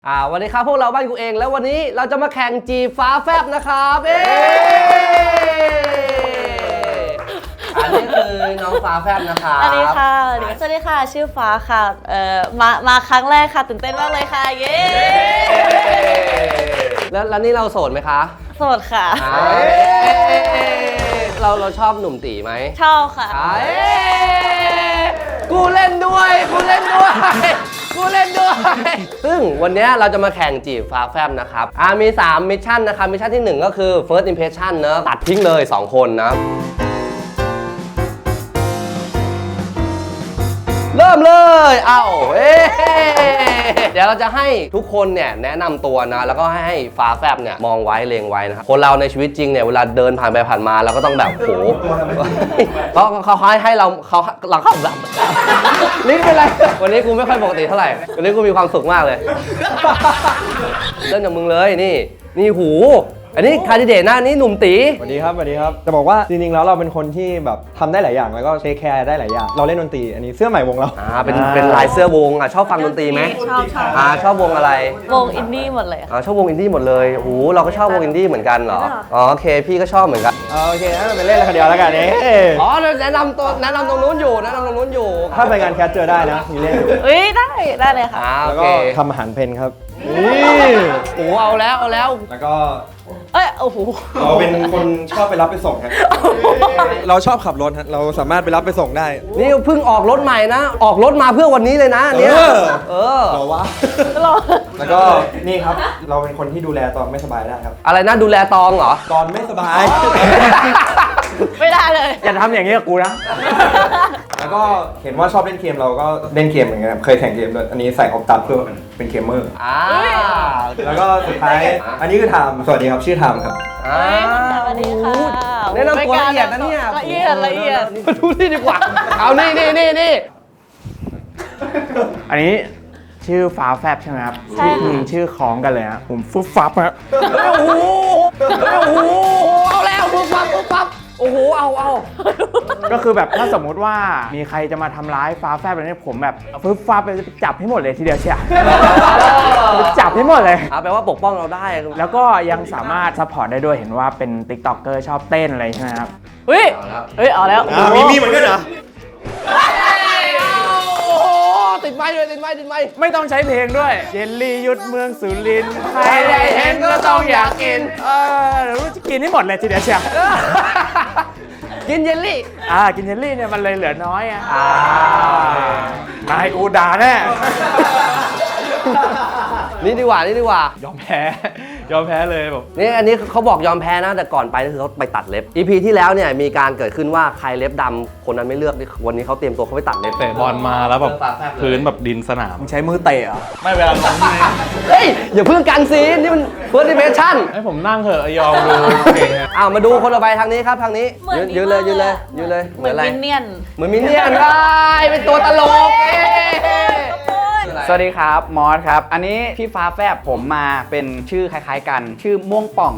วันนี้ครับพวกเราบ้านกูเองแล้ววันนี้เราจะมาแข่งจีบฟ้าแฟบนะครับอันนี้คือน้องฟ้าแฟบนะครับสวัสดีค่ะสวัสดีค่ะชื่อฟ้าค่ะมาครั้งแรกค่ะตื่นเต้นมากเลยค่ะเย้แล้วนี่เราโสดไหมคะโสดค่ะเราชอบหนุ่มตีไหมชอบค่ะกูเล่นด้วยซึ่งวันนี้เราจะมาแข่งจีบฟ้าแฟบนะครับมี3มิชชั่นนะครับมิชชั่นที่1ก็คือ first impression เนอะตัดทิ้งเลย2คนนะเริ่มเลยเดี๋ยวเราจะให้ทุกคนเนี่ยแนะนำตัวนะแล้วก็ให้ฟ้าแฟบเนี่ยมองไว้เลงไว้นะครับคนเราในชีวิตจริงเนี่ยเวลาเดินผ่านไปผ่านมาเราก็ต้องแบบโหเขาให้เราแบบลิ้นเป็นไรวันนี้กูไม่ค่อยปกติเท่าไหร่วันนี้กูมีความสุขมากเลยเริ่มจากมึงเลยนี่หูอันนี้คาดิเดตหน้านี้หนุ่มตีสวัสดีครับจะบอกว่าจริงๆแล้วเราเป็นคนที่แบบทำได้หลายอย่างแล้วก็เทคแคร์ได้หลายอย่างเราเล่นดนตรีอันนี้เสื้อใหม่วงเราเป็นลายเสื้อวงชอบฟังดนตรีไหมชอบวงอะไรวงอินดี้หมดเลยชอบวงอินดี้หมดเลยโอ้เราก็ชอบวงอินดี้เหมือนกันเหรอโอเคพี่ก็ชอบเหมือนกันโอเคงั้นไปเล่นอะไรคนเดียวแล้วกันแนะนำตรงนู้นอยู่ถ้าไปงานแคสเจอได้นะมีเล่นได้เลยค่ะแล้วก็ทำอาหารเพนครับเอาแล้วแล้วก็โอ้โหเราเป็นคนชอบไปรับไปส่งครับเราชอบขับรถเราสามารถไปรับไปส่งได้นี่เพิ่งออกรถใหม่นะออกรถมาเพื่อวันนี้เลยนะเนี่ยเราวะแล้วก็นี่ครับเราเป็นคนที่ดูแลตอนไม่สบายได้ครับอะไรนะดูแลตองเหรอตอนไม่สบายไม่ได้เลยอย่าทำอย่างนี้กับกูนะแล้วก็เห็นว่าชอบเล่นเกมเราก็เล่นเกมเหมือนกันเคยแข่งเกมด้วยอันนี้ใส่ออกตับเพื่อเป็นเกมเมอร์แล้วก็สุดท้ายอันนี้คือไทม์สวัสดีครับชื่อไทม์ครับสวัสดีค่ะแนะนำตัวละเอียดนะเนี่ยละเอียดมาดูนี่ดีกว่าเอานี่อันนี้ชื่อฟ้าแฟบใช่ไหมครับใช่ชื่อคล้องกันเลยนะผมฟุบฟับครับโอ้โหเอาแล้วฟุบฟับโอ้โหเอาก็คือแบบถ้าสมมุติว่ามีใครจะมาทำร้ายฟ้าแฟบอะไรเนี่ยผมแบบฟึบฟับไปจับให้หมดเลยทีเดียวเชียวจับให้หมดเลยแปลว่าปกป้องเราได้แล้วก็ยังสามารถซัพพอร์ตได้ด้วยเห็นว่าเป็นติ๊กต็อกเกอร์ชอบเต้นอะไรใช่ไหมครับเอาแล้วมีเหมือนกันเหรอติดไม้ไม่ต้องใช้เพลงด้วยเยลลี่ยุดเมืองสุรินทร์ใครได้เห็นก็ต้องอยากกินรู้จะกินให้หมดเลยทีเดียวเชียวกินเยลลี่กินเยลลี่เนี่ยมันเลยเหลือน้อยนายกูด่าแน่นี่ดีกว่ายอมแพ้เลยแบบนี่อันนี้เขาบอกยอมแพ้นะแต่ก่อนไปคือเขาไปตัดเล็บ EP ที่แล้วเนี่ยมีการเกิดขึ้นว่าใครเล็บดำคนนั้นไม่เลือกวันนี้เขาเตรียมตัวเขาไปตัดเล็บเตะบอลมาแล้วแบบพื้นแบบดินสนามใช้มือเตะเหรอไม่เวลาลงนี่เฮ้ยอย่าเพิ่งกันซีนนี่มัน first impression ให้ผมนั่งเถอะยอมดูเก่งมาดูคนต่อไปทางนี้ครับทางนี้ยืนเลยเหมือนมินเนี่ยนได้เป็นตัวตลกสวัสดีครับมอสครับอันนี้พี่ฟ้าแฟบผมมาเป็นชื่อคล้ายๆกันชื่อม่วงป่อง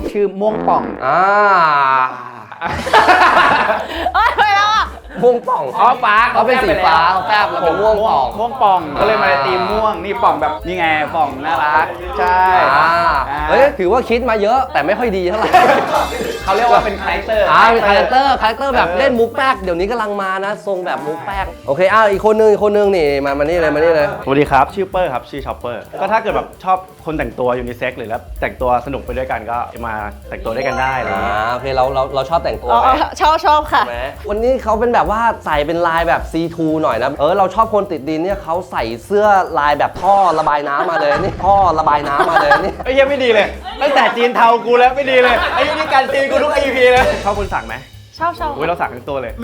ไปแล้วม่วงป่องฟ้าเขาเป็นสีฟ้าแฟบแล้วเป็นม่วงป่องก็เลยมาในธีมม่วงนี่ป่องแบบนี่ไงป่องน่ารักใช่เฮ้ยถือว่าคิดมาเยอะแต่ไม่ค่อยดีเท่าไหร่เขาเรียกว่าเป็นคาแรคเตอร์เป็นคาแรคเตอร์แบบเล่นมุกแป๊กเดี๋ยวนี้กำลังมานะทรงแบบมุกแป๊กโอเคอีกคนนึงนี่มานี่เลยสวัสดีครับชื่อเปอร์ครับชื่อช็อปเปอร์ก็ถ้าเกิดแบบชอบคนแต่งตัวยูนิเซ็กซ์หรือแล้วแต่งตัวสนุกไปด้วยกันก็มาแต่งตัวด้วยกันได้อะไรอย่างเงี้ยโอเคเราชอบแต่งตัวชอบค่ะวันนี้เขาเป็นแบบว่าใส่เป็นลายแบบ C2 หน่อยนะเราชอบคนติดดินเนี่ยเขาใส่เสื้อลายแบบท่อระบายน้ำมาเลยนี่ท่อระบายน้ำมาเลยนี่ไอ้ยังไม่ดีเลยตั้งแต่จีนเทากูแล้วไม่ดีเลยไอ้นี่การจีนกูทุก EP เลยชอบคนสักไหมชอบเราสักทั้งตัวเลย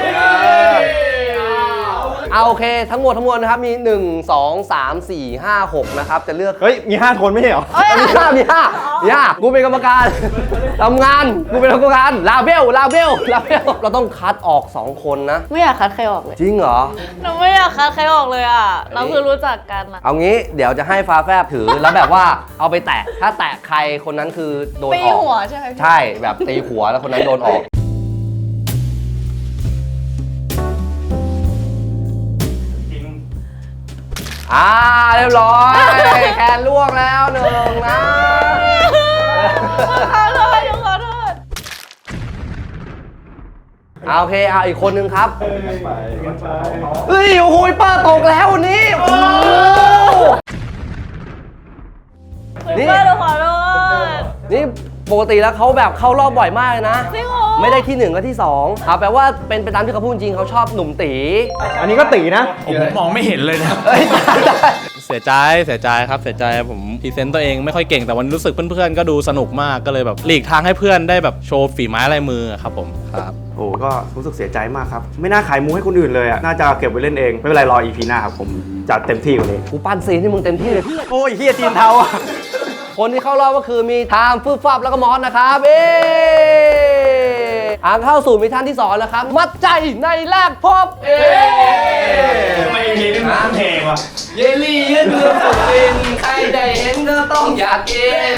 โอเคทั้งหมดนะครับมี1 2 3 4 5 6นะครับจะเลือกเฮ้ยมี5คนไม่ใช่เหรอมี5กูเป็นกรรมการทำงานกูเป็นกรรมการลาเบลเราต้องคัดออก2คนนะไม่อยากคัดใครออกเลยจริงเหรอเราไม่อยากคัดใครออกเลยเราคือรู้จักกันเอางี้เดี๋ยวจะให้ฟ้าแฟบถือแล้วแบบว่าเอาไปแตะถ้าแตะใครคนนั้นคือโดนออกตีหัวใช่ไหมใช่แบบตีหัวแล้วคนนั้นโดนออกเรียบร้อยแคนล่วงแล้วหนึ่งนะขอโทษขอโทษโอเคเอาอีกคนนึงครับเฮ้ยโอ้โหป้าตกแล้ววันนี้โอ้โห นี่เพื่อนเราขอโทษนี่ปกติแล้วเขาแบบเข้ารอบบ่อยมากเลยนะจริงเหรอไม่ได้ที่1ก็ที่2ครับแปลว่าเป็นไปตามที่เขาพูดจริงเขาชอบหนุ่มตีอันนี้ก็ตีนะผมมองไม่เห็นเลยนะเอ้ยเสียใจครับเสียใจผมพรีเซนต์ตัวเองไม่ค่อยเก่งแต่วันรู้สึกเพื่อนๆก็ดูสนุกมากก็เลยแบบหลีกทางให้เพื่อนได้แบบโชว์ฝีไม้ลายมือครับผมครับโอ้ก็รู้สึกเสียใจมากครับ ไม่น่าขายมูให้คนอื่นเลยอ่ะ น่าจะเก็บไว้เล่นเอง ไม่เป็นไรรอ EP หน้าครับผมจัดเต็มที่กว่านี้กูปั้นซีนให้มึงเต็มที่เลยโอ้ยเฮียจีนเทาอ่ะคนที่เข้ารอบก็คือมีไทม์ฟืบฟับแล้วก็มอสนะครับเข้าสู่มิชชั่นที่2แล้วครับ มัดใจในแรกพบไม่มีนี่มันเพลงว่ะเยลลี่ยืดเนื้อสุดฟินใครได้เห็นก็ต้องอยากกิน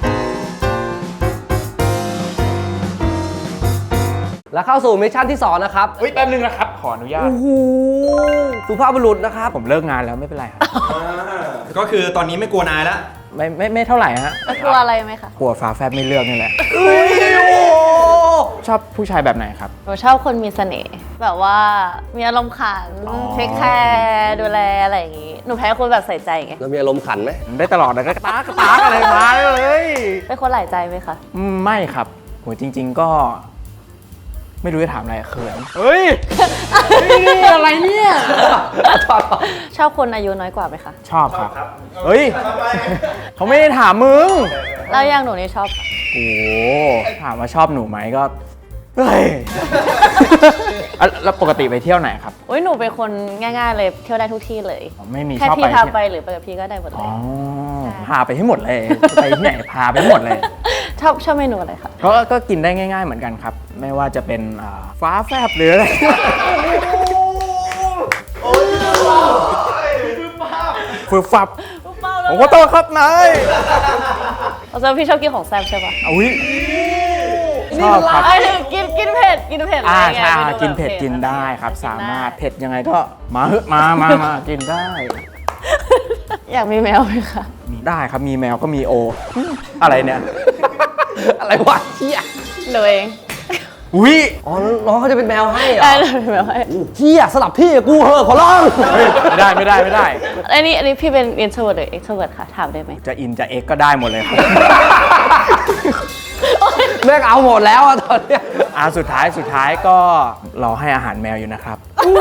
แล้วเข้าสู่มิชชั่นที่2นะครับเฮ้ยแป๊บนึงนะครับ ขออนุญาตโอ้โหสุภาพบุรุษนะครับผมเลิกงานแล้วไม่เป็นไรครับก็คือตอนนี้ไม่กลัวนายแล้วไม่เท่าไหร่ฮะกลัวอะไรไหมคะกลัวฟ้าแฟบไม่เลือกนี่แหละเฮ้ยโอ้โหชอบผู้ชายแบบไหนครับหนูชอบคนมีเสน่ห์แบบว่ามีอารมณ์ขันเทคแคร์ดูแลอะไรอย่างงี้ หนูแพ้คนแบบใส่ใจไงแล้วมีอารมณ์ขันไหมได้ตลอดเลยก็กระตากอะไรมาเลยเป็นคนหลายใจไหมคะไม่ครับโหจริง ๆก็ ไม่รู้จะถามอะไรเขินเฮ้ย อะไรเนี่ยชอบคนอายุน้อยกว่าไหมคะชอบครับ เฮ้ย เขาไม่ได้ถามมึงแล้วอย่างหนูนี่ชอบโอ้โหถามว่าชอบหนูไหมก็ เฮ้ย แล้วปกติไปเที่ยวไหนครับอุ้ยหนูเป็นคนง่ายๆเลยเที่ยวได้ทุกที่เลยไม่มีแค่ชอบพี่ไปพาที่ไปหรือไปกับพี่ก็ได้หมดเลอ๋ยอ พาไปให้หมดเลย ไปที่ไหนพาไปให้หมดเลยชอบเมนูอะไรคะก็กินได้ง่าย ๆเหมือนกันครับ ไม่ว่าจะเป็นฟ้าแฟบหรืออะไรฟืบฟับผมขอโทษครับนายเราจะพี่ชอบกินของแซ่บใช่ปะอุ้ยชอบครับไอ้ถึงกินเผ็ดกินเผ็ดอะไรเงี้ยใช่มนูกินเผ็ดแบบกินได้ครับกินสามารถได้เผ็ดยังไงก็มาเหอะมากินได้อยากมีแมวไหมคะได้ครับมีแมวก็มีโอ อะไรเนี่ยอะไรวะเฮียหนูเองอุ้ยอ๋อน้องเขาจะเป็นแมวให้เหรอได้หนูเป็นแมวให้เฮียสลับที่กับกูเหอะขอร้องเฮ้ยไม่ได้อันนี้พี่เป็น introvert หรือ extrovert คะถามได้ไหมจะอินจะเอ็กก็ได้หมดเลยครับแม่งเอาหมดแล้วอะตอนเนี้ยสุดท้ายก็รอให้อาหารแมวอยู่นะครับ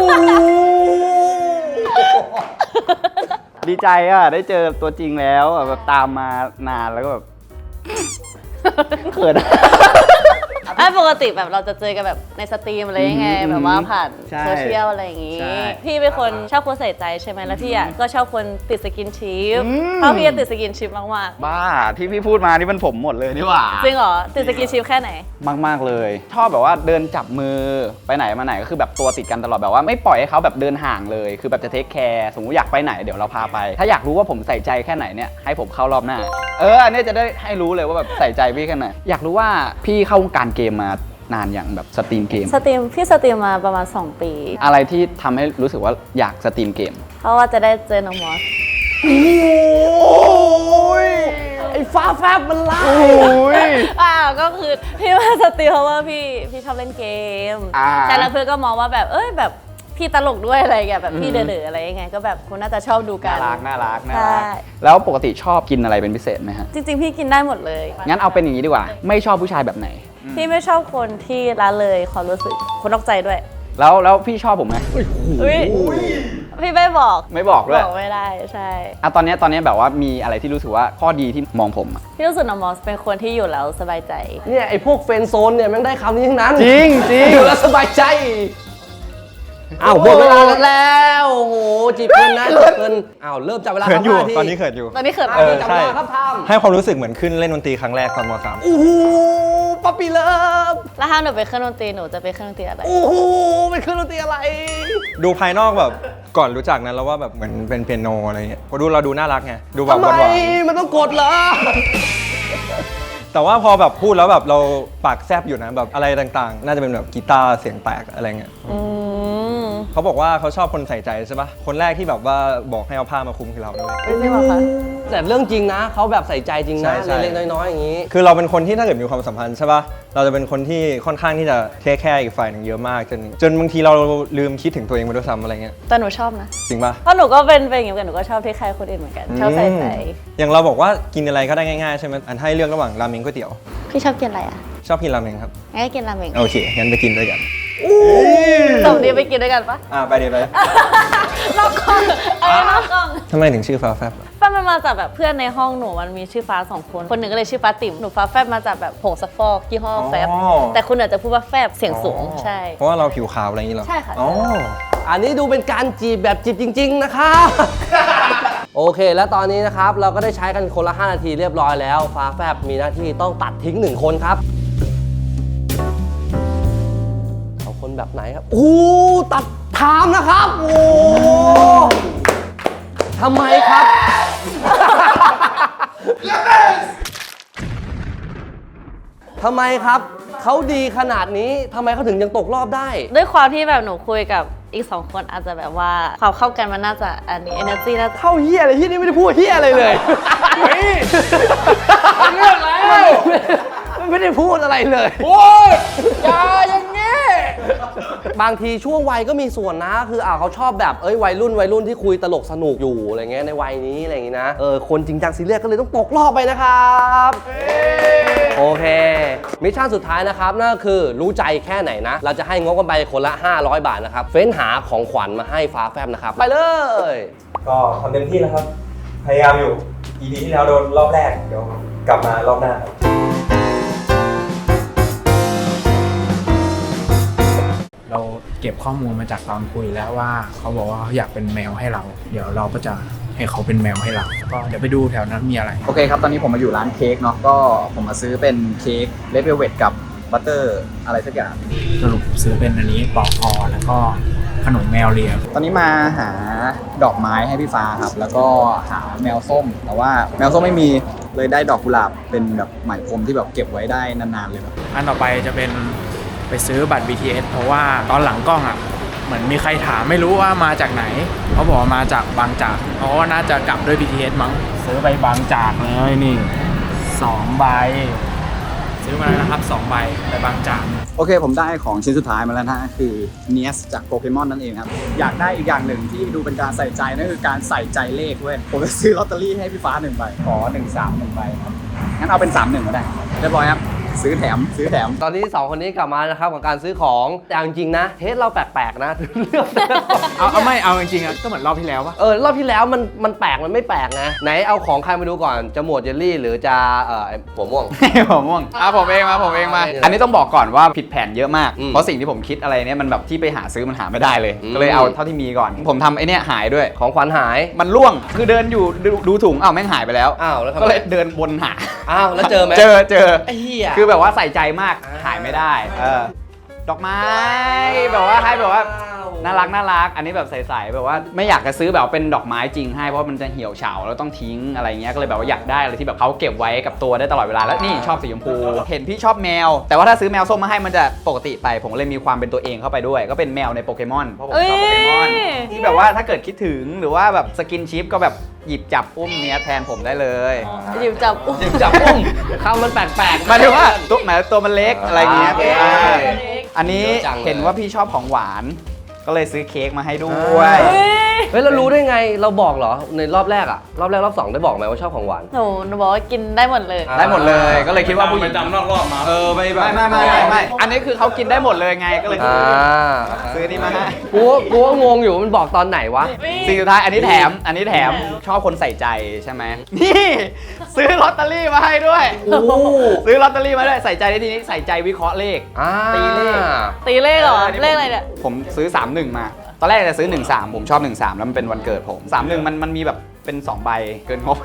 ดีใจอ่ะ ได้เจอตัวจริงแล้วอ่ะแบบตามมานานแล้วก็แบบเขินปกติแบบเราจะเจอกันแบบในสตรีมอะไรยังไงแบบว่าผ่านใช่โซเชียลอะไรอย่างงี้ใช่พี่เป็นคนชอบคนใส่ใจใช่ไหมแล้วพี่อ่ะก็ชอบคนติดสกินชิปเพราะพี่จะติดสกินชิปมากบ้าที่พี่พูดมานี่มันผมหมดเลยนี่หว่าๆจริงเหรอติดสกินชิปแค่ไหนมาก ๆ เลย ชอบแบบว่าเดินจับมือไปไหนมาไหนก็คือแบบตัวติดกันตลอดแบบว่าไม่ปล่อยให้เขาแบบเดินห่างเลยคือแบบจะเทคแคร์สมมติอยากไปไหนเดี๋ยวเราพาไป ถ้าอยากรู้ว่าผมใส่ใจแค่ไหนเนี่ยให้ผมเข้ารอบหน้าอันนี้จะได้ให้รู้เลยว่าแบบใส่ใจพี่แค่ไหนอยากรู้ว่าพี่เข้าวงการเกมมานานอย่างแบบสตรีมเกมพี่สตรีมมาประมาณ 2 ปีอะไรที่ทำให้รู้สึกว่าอยากสตรีมเกมเพราะว่าจะได้เจอน้องมอสไอ้ฟ้าแฟบมันไล่ก็คือพี่มาสตรีมเพราะว่าพี่ชอบเล่นเกม ใช่แล้วเพื่อนก็มองว่าแบบแบบพี่ตลกด้วยอะไรอย่างเงี้ยแบบพี่เดือดๆอะไรยังไงก็แบบคุณน่าจะชอบดูกันน่ารักใช่แล้วปกติชอบกินอะไรเป็นพิเศษไหมฮะจริงๆ พี่กินได้หมดเลยงั้นเอาเป็นอย่างนี้ดีกว่า ไม่ชอบผู้ชายแบบไหนพี่ไม่ชอบคนที่ละเลยความรู้สึกคนนอกใจด้วยแล้วพี่ชอบผมไหมอุ๊ยพี่ไม่บอกไม่บอกด้วยบอกไม่ได้ใช่ตอนนี้แบบว่ามีอะไรที่รู้สึกว่าข้อดีที่มองผมอะพี่รู้สึกน้องมอสเป็นคนที่อยู่แล้วสบายใจเนี่ยไอ้พวกเฟรนด์โซนเนี่ยแม่งได้คำนี้ทั้งนั้นจริงอยู่แล้วสบายใจหมดเวลาแล้วโอ้โหจีบเกินนะจีบเกินเริ่มจับเวลาเขินอยู่ 5นาทีตอนนี้เขินอยู่ตอนนี้เขินจับเวลาครับทำให้ความรู้สึกเหมือนขึ้นเล่นดนตรีครั้งแรกตอนม .3 โอ้โหป๊อปปี้เลิฟแล้วถ้าหนูไปเครื่องดนตรีหนูจะไปเครื่องดนตรีอะไรโอ้โหเป็นเครื่องดนตรีอะไรดูภายนอกแบบก่อนรู้จักนั้นแล้วว่าแบบเหมือนเป็นเปียโนอะไรเงี้ยพอดูเราดูน่ารักไงดูแบบทำหไมวานมันต้องกดเหรอๆแต่ว่าพอแบบพูดแล้วแบบเราปากแซบอยู่นะแบบอะไรต่างๆ น่าจะเป็นแบบกีตาร์เสียงแตกอะไรเงี้ยอืมเขาบอกว่าเขาชอบคนใส่ใจใช่ปะคนแรกที่แบบว่าบอกให้เอาผ้ามาคลุมคือเราด้วยไม่ใช่หรอคะแต่เรื่องจริงนะเขาแบบใส่ใจจริงนะใช่เล็กๆน้อยๆอย่างนี้คือเราเป็นคนที่ถ้าเกิดมีความสัมพันธ์ใช่ปะเราจะเป็นคนที่ค่อนข้างที่จะเทคแคร์อีกฝ่ายหนึ่งเยอะมากจนบางทีเราลืมคิดถึงตัวเองไปด้วยซ้ำอะไรเงี้ยแต่หนูชอบนะจริงปะเพราะหนูก็เป็นอย่างนี้เหมือนกันหนูก็ชอบที่ใครคนอื่นเหมือนกัน ชอบใส่ใจอย่างเราบอกว่ากินอะไรก็ได้ง่ายๆใช่ไหมอันให้เลือกระหว่างราเมงก๋วยเตี๋ยวพี่ชอบกินอะไรอ่ะชอบกินราเมงครับงั้นก็กินราเมงโอเคงั้นไปกินด้วยกันสมดีไปกินด้วยกันปะไปเดี๋ยวไปนอกกล้องนอกกล้องทำไมถึงชื่อฟ้าแฟบฟ้ามันมาจากแบบเพื่อนในห้องหนูมันมีชื่อฟ้า2 คนหนึ่งก็เลยชื่อฟ้าติ๋มหนูฟ้าแฟบมาจากแบบผงซักฟอกยี่ห้อแฟบแต่คุณอาจจะพูดว่าแฟบเสียงสูงใช่เพราะว่าเราผิวขาวอะไรอย่างนี้เหรอใช่ค่ะอ๋ออันนี้ดูเป็นการจีบแบบจีบจริง ๆ นะครับ โอเค แล้วตอนนี้นะครับเราก็ได้ใช้กันคนละ 5 นาทีเรียบร้อยแล้ว ฟ้าแฟบมีหน้าที่ต้องตัดทิ้ง 1 คนครับเอาคนแบบไหนครับ โอ้ตัดไทม์นะครับ โอ้ทำไมครับ ทำไมครับ เขาดีขนาดนี้ทำไมเขาถึงยังตกรอบได้ด้วยความที่แบบหนูคุยกับอีก2 คนอาจจะแบบว่าความเข้ากันมันน่าจะอันนี้ energy น่าจะเข้าเฮียอะไรที่นี่ไม่ได้พูดเฮียอะไรเลยเฮ้ยเรื่องแล้วไม่ได้พูดอะไรเลยโอ้ยอย่าอย่างนี้บางทีช่วงวัยก็มีส่วนนะคือเขาชอบแบบวัยรุ่นที่คุยตลกสนุกอยู่อะไรเงี้ยในวัยนี้อะไรอย่างงี้นะคนจริงจังซีเรียสก็เลยต้องตกรอบไปนะครับโอเคมิชชั่นสุดท้ายนะครับนั่นก็คือรู้ใจแค่ไหนนะเราจะให้งบกันไปคนละ500 บาทนะครับเฟ้นหาของขวัญมาให้ฟ้าแฟบนะครับไปเลยก็ทำเต็มที่แล้วครับ พยายามอยู่ EP ที่แล้วโดนรอบแรก เดี๋ยวกลับมารอบหน้าเราเก็บข้อมูลมาจากตอนคุยแล้วว่าเขาบอกว่าเขาอยากเป็นแมวให้เรา เดี๋ยวเราก็จะให้เขาเป็นแมวให้เรา ก็เดี๋ยวไปดูแถวนั้นมีอะไรโอเคครับ ตอนนี้ผมมาอยู่ร้านเค้กเนาะก็ผมมาซื้อเป็นเค้กเลดเวลเวทกับบัตเตอร์อะไรสักอย่างสรุปซื้อเป็นอันนี้ปอกคอแล้วก็ขนมแมวเลียตอนนี้มาหาดอกไม้ให้พี่ฟ้าครับ แล้วก็หาแมวส้ม แต่ว่าแมวส้มไม่มีเลยได้ดอกกุหลาบเป็นแบบไหมพรมที่แบบเก็บไว้ได้นานๆเลยแบบอันต่อไปจะเป็นไปซื้อบัตร BTS เพราะว่าตอนหลังกล้องอ่ะเหมือนมีใครถามไม่รู้ว่ามาจากไหนเขาบอกว่ามาจากบางจากเพราะว่าน่าจะกลับด้วย BTS มั้งซื้อไปบางจากเลยนี่2 ใบซื้อมาแล้วนะครับ2 ใบไปบางจากโอเคผมได้ของชิ้นสุดท้ายมาแล้วนะคือเนียสจากโปเกมอนนั่นเองครับอยากได้อีกอย่างหนึ่งที่ดูเป็นการใส่ใจนั่นคือการใส่ใจเลขเว้ยผมจะซื้อลอตเตอรี่ให้พี่ฟ้า1 ใบขอ13 1 ใบครับงั้นเอาเป็น31ก็ได้เรียบร้อยครับซื้อแถมตอนนี้2 คนนี้กลับมานะครับกับการซื้อของแต่เอาจริงๆนะเทสเราแปลกๆนะเลือกแต่ละของเอาไม่เอาจริงๆอ่ะก็เหมือนรอบที่แล้วปะรอบที่แล้วมันแปลกมันไม่แปลกนะไหนเอาของใครมาดูก่อนจะหมวดเจลลี่หรือจะไอ้หัวม่วงผมม่วงผมเองมาอันนี้ต้องบอกก่อนว่าผิดแผนเยอะมากอืมเพราะสิ่งที่ผมคิดอะไรเนี่ยมันแบบที่ไปหาซื้อมันหาไม่ได้เลยอืมก็เลยเอาเท่าที่มีก่อน ผมทำไอ้เนี่ยหายด้วยของขวัญหายมันร่วงคือเดินอยู่ดูถุงแม่งหายไปแล้วอ้าวแล้วทำไมก็เลยเดินวนหาอ้าวแล้วเจอไหมเจอไอ้เหี้ยคือแบบว่าใส่ใจมากอ่าหายไม่ได้ดอกไม้แบบว่าให้แบบว่าน่ารักอันนี้แบบใสๆแบบว่าไม่อยากจะซื้อแบบเป็นดอกไม้จริงให้เพราะมันจะเหี่ยวเฉาแล้วต้องทิ้งอะไรเงี้ยก็เลยแบบว่าอยากได้อะไรที่แบบเขาเก็บไว้กับตัวได้ตลอดเวลาแล้วนี่ชอบสีชมพูเห็นพี่ชอบแมว แต่ว่าถ้าซื้อแมวส้มมาให้มันจะปกติไปผมเลยมีความเป็นตัวเองเข้าไปด้วย ก็เป็นแมวในโปเกมอนเพราะผมชอบโปเกมอนที่แบบว่าถ้าเกิดคิดถึงหรือว่าแบบสกินชิปก็แบบหยิบจับอุ้มเนี้ยแทนผมได้เลยหยิบจับอุ้มหยิบจับอุ้มคำมันแปลกๆหมายถึงว่าตัวมันเล็กอะไรเงี้ยโอเคอันนี้เยอะจังเลยเห็นว่าพี่ชอบของหวาน ก็เลยซื้อเค้กมาให้ด้วยเฮ้ยเรารู้ได้ไงเราบอกเหรอในรอบแรกรอบแรกรอบ 2ได้บอกไหมว่าชอบของหวานหนูบอกว่ากินได้หมดเลยได้หมดเลยก็เลยคิดว่าผู้หญิงไปจำนอกรอบมาไม่อันนี้คือเขากินได้หมดเลยไงก็เลยซื้อนี่มาให้กูว่างงอยู่มันบอกตอนไหนวะสิ่งสุดท้ายอันนี้แถมชอบคนใส่ใจใช่ไหมนี่ซื้อลอตเตอรี่มาให้ด้วยโอ้ซื้อลอตเตอรี่มาด้วยใส่ใจในที่นี้ใส่ใจวิเคราะห์เลข ตีเลขตีเลขเหรอ เลขอะไรเนี่ยผมซื้อ 31 มา ตอนแรกจะซื้อ 13 ผมชอบ 13 แล้วมันเป็นวันเกิดผม 31 มันมีแบบเป็น 2 ใบเกินงบ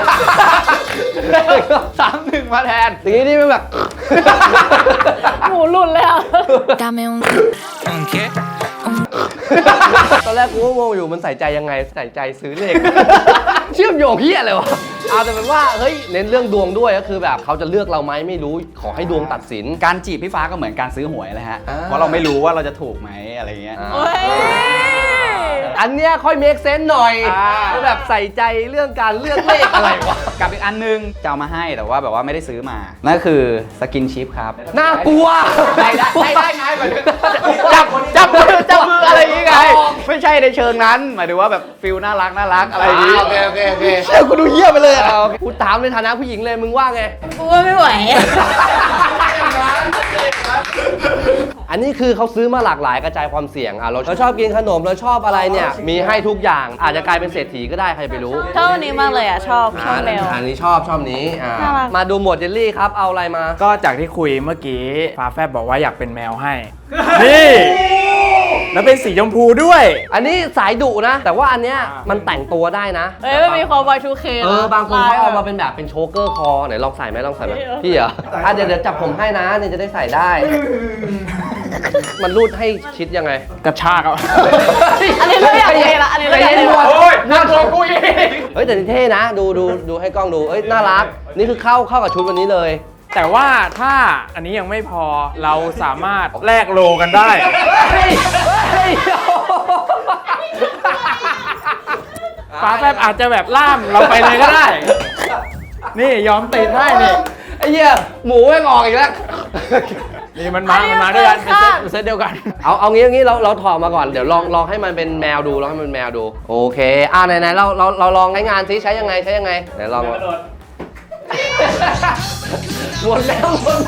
31 มาแทนอย่างนี้นี่มันแบบหมูหลุดเลยอ่ะ Dame un que, un ตอนแรกกูก็งงอยู่มันใส่ใจยังไงใส่ใจซื้อเลข เชื่อมโยงเฮียอะไรวะเอาแต่เป็นว่าเฮ้ยเน้นเรื่องดวงด้วยก็คือแบบเขาจะเลือกเราไหมไม่รู้ขอให้ดวงตัดสินการจีบพี่ฟ้าก็เหมือนการซื้อหวยเลยฮะอ่าเพราะเราไม่รู้ว่าเราจะถูกไหมอะไรเงี้ยโอ้ยอันเนี้ยค่อยเมคเซนส์หน่อยก็แบบใส่ใจเรื่องการเลือกเลขอะไรวะกับอีกอันนึงจะเอามาให้แต่ว่าแบบว่าไม่ได้ซื้อมา นั่นก็คือสกินชิพครับน่ากลัวได้ไงหมายถึงจับมืออะไรอย่างงี้ไง ไม่ใช่ในเชิงนั้นหมายถึงว่าแบบฟิลน่ารักอะไรอย่างงี้โอเคเชื่อกูดูเยี่ยไปเลยอ่ะกูถามในฐานะผู้หญิงเลยมึงว่าไงกูว่าไม่ไหวอันนี้คือเขาซื้อมาหลากหลายกระจายความเสี่ยงอ่ะเราชอบกินขนมเราชอบอะไรเนี่ยมีให้ทุกอย่างอาจจะกลายเป็นเศรษฐีก็ได้ใครไปรู้ชอบอันนี้มากเลยอ่ะ ชอบแมวอันนี้ชอบนี้น่ารักมาดูหมวดเจลลี่ครับเอาอะไรมาก็จากที่คุยเมื่อกี้ฟ้าแฟบบอกว่าอยากเป็นแมวให้ นี่ แล้วเป็นสีชมพูด้วยอันนี้สายดุนะ แต่ว่าอันเนี้ยมันแต่งตัวได้นะเอ้ยมันมีความ Y2K บางคนเขาเอามาเป็นแบบเป็นโชเกอร์คอไหนลองใส่ไหมพี่เหรอเดี๋ยวจับผมให้นะนี่จะได้ใส่ได้ มันรูดให้ชิดยังไงกระชากเอาอันนี้เราอยากเลยละอันนี้เราอยากเลยละโอ้ยน่ากลัวกูอีกเฮ้ยแต่นี่เท่นะดูให้กล้องดูเอ้ยน่ารักนี่คือเข้ากับชุดวันนี้เลยแต่ว่าถ้าอันนี้ยังไม่พอเราสามารถแลกโลกันได้ ฟ้าแฟบอาจจะแบบล่ามเราไปเลยก็ได้ นี่ยอมติดให้นี่ไอ้เหี้ยหมูแม่งออกอีกแล้วนี่มันมาด้วยกันเป็นเซตเดียวกันเอางี้เราถอดมาก่อนเดี๋ยวลองให้มันเป็นแมวดูลองให้มันเป็นแมวดูโอเคไหนเราลองใช้งานซิใช้ยังไงไหนลองหมดแล้วเหมือน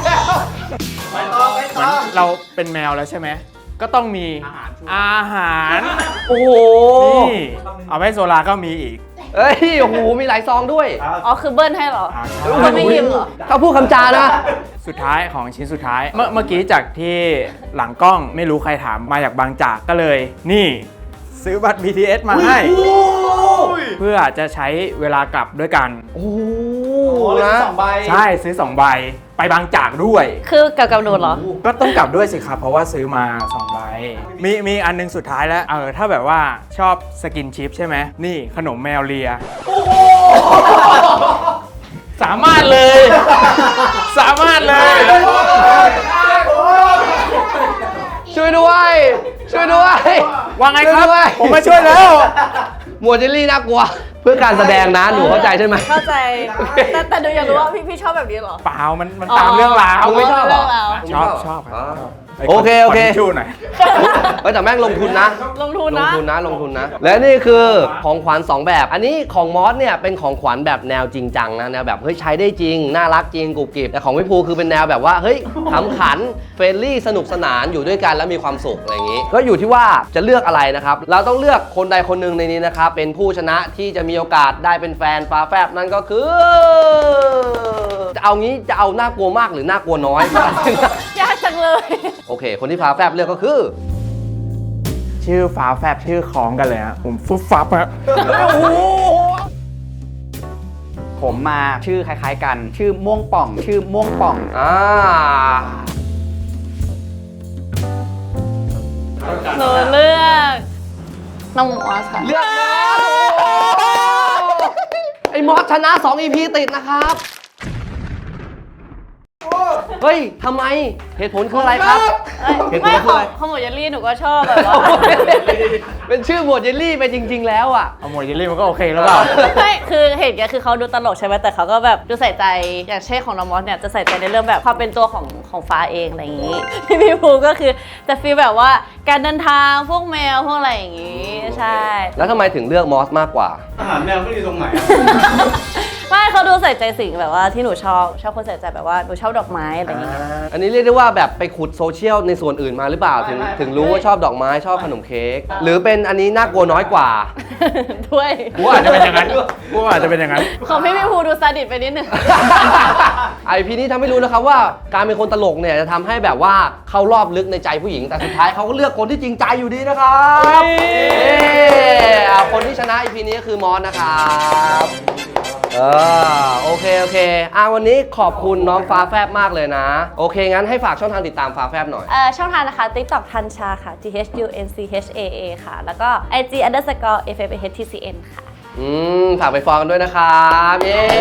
เราเป็นแมวแล้วใช่ไหม ก็ต้องมีอาหารโอ้โหนี่ เอาไว้โซลาก็มีอีกเอ้ยโอ้โหมีหลายซองด้วยอ๋อคือเบิ้ลให้เหรออ่ามันไม่ยิ้มเหรอเขาพูดคำจานะสุดท้ายของชิ้นสุดท้าย เมื่อกี้จากที่หลังกล้องไม่รู้ใครถามมาจากบางจากก็เลย นี่ ซื้อบัตร BTS มาให้ เพื่อจะใช้เวลากลับด้วยกันโอ้โหเลยนะ 2 ใบใช่ซื้อ 2 ใบไปบางจากด้วยคือกับโดดเหรอก็ต้องกลับด้วยสิครับ เพราะว่าซื้อมา 2 ใบ มีอันนึงสุดท้ายแล้วถ้าแบบว่าชอบสกินชิพใช่ไหมนี่ขนมแมวเลียสามารถเลย สามารถเลยช่วยด้วยว่าไงครับช่วยด้วยผมมาช่วยแล้วหมวดเจลลี่น่ากลัว เพื่อการแสดงนะหนูเข้าใจใช่ไหมเข้าใจ แต่ดูอยากรู้ว่าพี่ชอบแบบนี้เหรอเปล่ามันตามเรื่องราวมึงไม่ชอบเหรอเรื่องราวชอบครับโอเคขทิชชู่หน่อยเฮ้ยแต่แม่งลงทุนนะลงทุนนะลงทุนนะ และนี่คือของขวัญ2แบบ อันนี้ของมอสเนี่ยเป็นของขวัญแบบแนวจริงจังนะแนวแบบเฮ้ยใช้ได้จริงน่ารักจริงกรุบกริบแต่ของพี่ภูคือเป็นแนวแบบว่าเฮ้ยขำขันเฟรนลี่สนุกสนานอยู่ด้วยกันแล้วมีความสุขอะไรอย่างนี้ ก็อยู่ที่ว่าจะเลือกอะไรนะครับเราต้องเลือกคนใดคนหนึ่งในนี้นะครับเป็นผู้ชนะที่จะมีโอกาสได้เป็นแฟนฟ้าแฟบนั่นก็คือจะเอางี้จะเอาน่ากลัวมากหรือน่ากลัวน้อยยากจังเลยโอเค คนที่ฟ้าแฟบเลือกก็คือชื่อฟ้าแฟบชื่อคล้องกันเลยฮะผมฟุบฟับฮะผมมาชื่อคล้ายๆกัน ชื่อม่วงป่องหนูเลือกน้องมอสค่ะเลือกมอสไอ้มอสชนะ 2 EP ติดนะครับ เฮ้ยทำไมเหตุผลคืออะไรครับ เหตุผลไม่คืออะไรของหมวดเยลลี่หนูก็ชอบแบบว่าเป็นชื่อหมวดเจลลี่ไปจริง ๆ แล้วอ่ะเอาหมดเยลลี่มันก็โอเคแล้วเปล่าไม่คือเหตุการณ์คือเขาดูตลกใช่ไหมแต่เขาก็แบบดูใส่ใจอย่างเช่นของน้องมอสเนี่ยจะใส่ใจในเรื่องแบบความเป็นตัวของฟ้าเองอะไรอย่างนี้ พี่ภูก็คือจะฟีลแบบว่าการเดินทางพวกแมวพวกอะไรอย่างนี้ใช่แล้วทำไมถึงเลือกมอสมากกว่าอาหารแมวไม่ดีตรงไหนไม่เขาดูใส่ใจสิ่งแบบว่าที่หนูชอบคนใส่ใจแบบว่าหนูชอบดอกไม้อะไรอย่างเงี้ยอันนี้เรียกได้ว่าแบบไปขุดโซเชียลในส่วนอื่นมาหรือเปล่าถึงรู้ว่าชอบดอกไม้ชอบขนมเค้กหรือเป็นอันนี้น่ากลัวน้อยกว่าด้วยกูอาจจะเป็นอย่างนั้นกูอาจจะเป็นอย่างนั้นของพี่ภูดูซาดิสไปนิดนึงไอพีนี้ทำให้รู้นะครับว่าการเป็นคนตลกเนี่ยจะทำให้แบบว่าเข้ารอบลึกในใจผู้หญิงแต่สุดท้ายเขาก็เลือกคนที่จริงใจอยู่ดีนะครับคนที่ชนะ EP นี้ก็คือมอสนะครับโอเควันนี้ขอบคุณน้องฟ้าแฟบมากเลยนะ โอเค งั้นให้ฝากช่องทางติดตามฟ้าแฟบหน่อยช่องทางนะคะ TikTok ทันชาค่ะ THUNCHAA ค่ะ แล้วก็ IG _FFHTCN ค่ะฝากไปฟอลกันด้วยนะครับเย้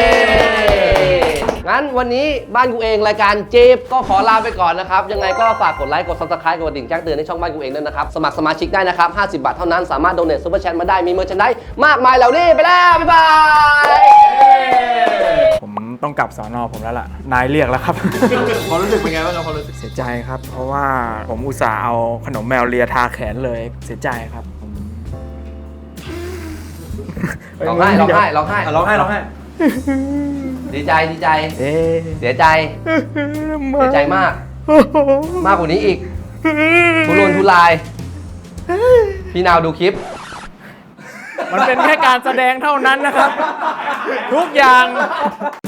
งั้นวันนี้บ้านกูเองรายการเจฟก็ขอลาไปก่อนนะครับ ยังไงก็ฝากกดไลค์กด Subscribe กดกระดิ่งแจ้งเตือนในช่องบ้านกูเองด้วยนะครับ สมัครสมาชิกได้นะครับ 50 บาทเท่านั้นสามารถโดเนทซุปเปอร์แชทมาได้มีเมอร์ชันได้มากมายเหล่านี้ไปแล้ว บ๊ายบายผมต้องกลับสอนอผมแล้วล่ะ นายเรียกแล้วครับความรู้สึกเป็นไงบ้างครับความรู้สึกเสียใจครับ เพราะว่าผมอุตส่าห์เอาขนมแมวเลียทาแขนเลยเสียใจครับผมร้องไห้ร้องไห้ดีใจเอ๊ะเสียใจมาก มากกว่านี้อีกทุรนทุราย พี่นาวดูคลิปมันเป็นแค่การแสดงเท่านั้นนะครับ ทุกอย่าง